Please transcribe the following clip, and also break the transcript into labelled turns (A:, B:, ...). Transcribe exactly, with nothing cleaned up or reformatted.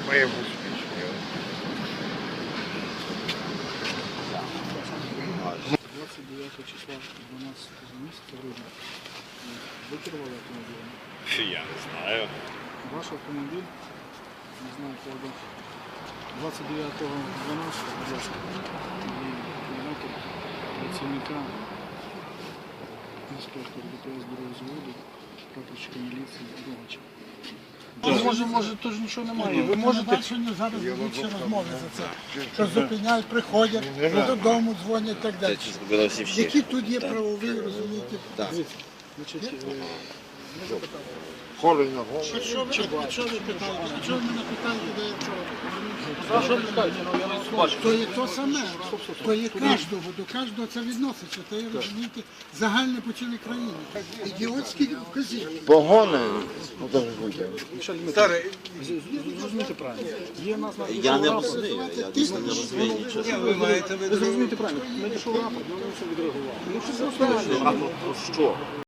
A: Ми успішні.
B: двадцять дев'ятого числа дванадцятого місяця грудня ви керували автомобілем?
C: Я не знаю.
B: Ваш автомобіль, не знаю, коли двадцять дев'ятого дванадцятого, будь ласка, і координати працівника інспектора ДПС бюро заводу, прапорщика міліції Рогача. Може, може, то ж нічого немає. Ви можете...
D: Зараз ведуть ще розмови за це, що зупиняють, приходять, додому дзвонять і так далі. Які тут є правові, розумієте?
B: Значить, е, ми запитали.
A: Холі на голову.
D: Що ви, що ви питаєте? Що ви мене питаєте, де я вчора?
B: Що ви питаєте? Ну, я не бачу.
D: То є то саме, то є кожного, до кожного це відноситься, то є, розумієте, загальне по цілій країні. Ідіотські вказівки.
A: Погони. Ну, то ж буде.
B: Старий, зрозумійте правильно. Є в нас на
E: Я не розумію, я дійсно не розумію нічого.
B: Ви зрозумієте правильно. Надійшов рапорт, ми на все відреагували. Ну, що це
E: А про що?